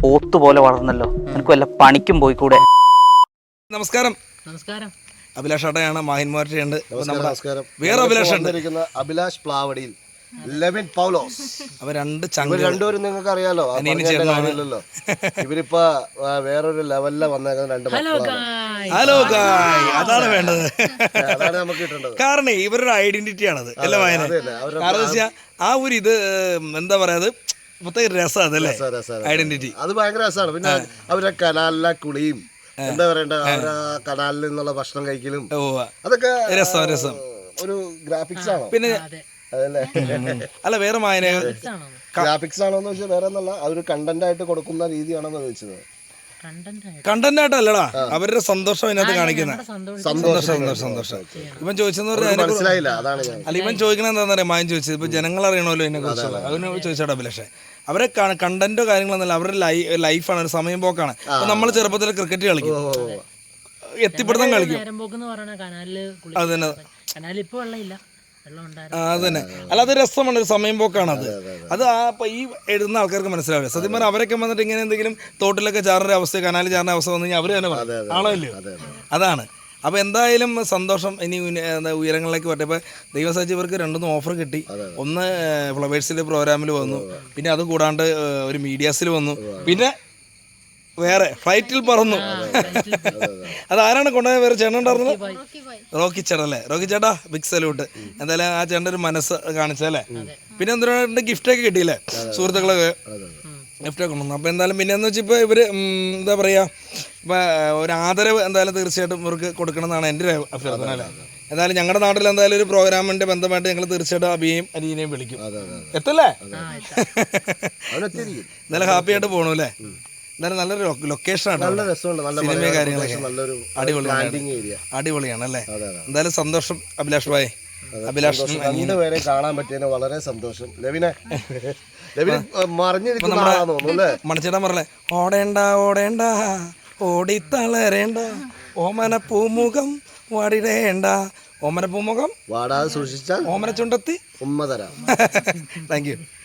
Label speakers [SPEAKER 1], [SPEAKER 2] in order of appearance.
[SPEAKER 1] പോത്ത് പോലെ വളർന്നല്ലോ, നിനക്ക് വല്ല പണിക്കും പോയിക്കൂടെ?
[SPEAKER 2] നമസ്കാരം.
[SPEAKER 3] നമസ്കാരം.
[SPEAKER 2] അഭിലാഷ് ഏട്ടയാണ്, മാഹിൻമാർട്ടിയുണ്ട്.
[SPEAKER 4] നമസ്കാരം.
[SPEAKER 2] വേറെ അഭിലാഷ് ഉണ്ട്,
[SPEAKER 4] അഭിലാഷ് പ്ലാവടിയിൽ, ലെവിൻ പൗലോസ്.
[SPEAKER 2] അവർ
[SPEAKER 4] രണ്ടുപേരും നിങ്ങൾക്ക് അറിയാലോ, കാര്യമില്ലല്ലോ. ഇവരിപ്പോ വേറൊരു ലെവലില് വന്നേക്കുന്ന രണ്ട് മക്കളാണ്.
[SPEAKER 2] ഹലോ ഗായ്, അതാണ് വേണ്ടത്.
[SPEAKER 4] അതാണ് നമുക്ക് കിട്ടേണ്ടത്.
[SPEAKER 2] കാരണം ഇവരുടെ ഐഡന്റിറ്റി ആണത് അല്ല വായന. കാരണം ആ ഒരു ഇത് എന്താ പറയാ, പ്രത്യേക രസം അതല്ലേ ഐഡന്റിറ്റി.
[SPEAKER 4] അത് ഭയങ്കര രസമാണ്. പിന്നെ അവരെ കനാലിലെ കുളിയും എന്താ പറയണ്ട, അവരാ കനാലിൽ നിന്നുള്ള ഭക്ഷണം കഴിക്കലും അതൊക്കെ
[SPEAKER 2] രസം
[SPEAKER 4] ഒരു ഗ്രാഫിക്സ് ആണോ?
[SPEAKER 2] പിന്നെ
[SPEAKER 4] അതല്ലേ?
[SPEAKER 2] അല്ല, വേറെ വായന
[SPEAKER 4] ഗ്രാഫിക്സ് ആണോന്ന് വെച്ചാൽ വേറെ ഒന്നല്ല, അതൊരു കണ്ടന്റ് ആയിട്ട് കൊടുക്കുന്ന രീതിയാണെന്ന് ചോദിച്ചത്.
[SPEAKER 2] കണ്ടന്റ് ആയിട്ടല്ലടാ, അവരുടെ സന്തോഷം അതിനകത്ത് കാണിക്കുന്ന സന്തോഷം. ഇവൻ ചോദിച്ചെന്ന് പറഞ്ഞാൽ
[SPEAKER 4] മനസ്സിലായില്ല, അതാണ്
[SPEAKER 2] അല്ല ഇവൻ ചോദിക്കണ എന്താണെന്ന് അറിയാം. മായം ചോദിച്ചത് ഇപ്പൊ ജനങ്ങൾ അറിയണമല്ലോ ഇതിനെ കുറിച്ചുള്ള, അതിന് ചോദിച്ചാടാ അഭിലാഷേ. അവരെ കണ്ടന്റോ കാര്യങ്ങളൊന്നുമല്ല, അവരുടെ ലൈഫാണ്, ഒരു സമയം പോക്കാണ്. അപ്പൊ നമ്മൾ ചെറുപ്പത്തിൽ ക്രിക്കറ്റ് കളിക്കും, എത്തിപ്പെടുത്താൻ കളിക്കും. അതന്നെ, അല്ല അത് രസമാണ്, ഒരു സമയം പോക്കാണ് അത്. അത് ഈ എഴുതുന്ന ആൾക്കാർക്ക് മനസ്സിലാവില്ല. സത്യം പറഞ്ഞാൽ അവരൊക്കെ വന്നിട്ട് ഇങ്ങനെ എന്തെങ്കിലും തോട്ടിലൊക്കെ ചാറുന്ന അവസ്ഥ, കനാലിൽ ചാറുന്ന അവസ്ഥ വന്നു കഴിഞ്ഞാൽ അവർ തന്നെ പറയും ആണല്ലോ. അതാണ്. അപ്പോൾ എന്തായാലും സന്തോഷം. ഇനി ഉയരങ്ങളിലേക്ക് പറ്റും. ഇപ്പോൾ ദൈവസാക്ഷി ഇവർക്ക് രണ്ടൊന്നും ഓഫർ കിട്ടി. ഒന്ന് ഫ്ലവേഴ്സിലെ പ്രോഗ്രാമിൽ വന്നു, പിന്നെ അത് കൂടാണ്ട് ഒരു മീഡിയാസിൽ വന്നു, പിന്നെ വേറെ ഫ്ലൈറ്റിൽ പറന്നു. അതാരാണ് കൊണ്ടുപോയ? വേറെ ചേട്ടൻ ഉണ്ടായിരുന്നത് റോക്കി ചേട്ടൻ അല്ലേ? റോക്കി ചേട്ടാ, ബിഗ് സല്യൂട്ട്. എന്തായാലും ആ ചേട്ടൻ്റെ ഒരു മനസ്സ് കാണിച്ചല്ലേ. പിന്നെ എന്തിനാണ്ട് ഗിഫ്റ്റൊക്കെ കിട്ടിയില്ലേ, സുഹൃത്തുക്കളൊക്കെ ഗിഫ്റ്റൊക്കെ കൊണ്ടുവന്നു. അപ്പോൾ എന്തായാലും പിന്നെ എന്ന് വെച്ചാൽ ഇപ്പോൾ ഇവർ എന്താ പറയുക, ഇപ്പോൾ ഒരു ആദരവ് എന്തായാലും തീർച്ചയായിട്ടും ഇവർക്ക് കൊടുക്കണം എന്നാണ് എൻ്റെ ഒരു അഭ്യർത്ഥന അല്ലേ. എന്തായാലും ഞങ്ങളുടെ നാട്ടിൽ എന്തായാലും ഒരു പ്രോഗ്രാമിൻ്റെ ബന്ധമായിട്ട് ഞങ്ങൾ തീർച്ചയായിട്ടും അബിയെയും അരീനെയും വിളിക്കും. എത്തല്ലേ? എന്തായാലും ഹാപ്പി ആയിട്ട് പോകണു അല്ലേ. എന്തായാലും നല്ലൊരു ലൊക്കേഷനാണ്, സിനിമ കാര്യങ്ങളൊക്കെ അടിപൊളിയാണ് അല്ലേ. എന്തായാലും സന്തോഷം അഭിലാഷ് ഭായ്. അഭിലാഷിനും
[SPEAKER 4] രണ്ടുപേരെ കാണാൻ പറ്റിയതിന് വളരെ സന്തോഷം.
[SPEAKER 2] മണിച്ചേട്ടൻ പറഞ്ഞേ, ഓടേണ്ട ഓടേണ്ട ഓടിത്തളരേണ്ട ഓമന പൂമുഖം വാടിടേണ്ട, ഓമന പൂമുഖം
[SPEAKER 4] വാടാതെ സൂക്ഷിച്ചാൽ
[SPEAKER 2] ഓമന ചുണ്ടത്തി
[SPEAKER 4] ഉമ്മ തരാം.
[SPEAKER 2] Thank U.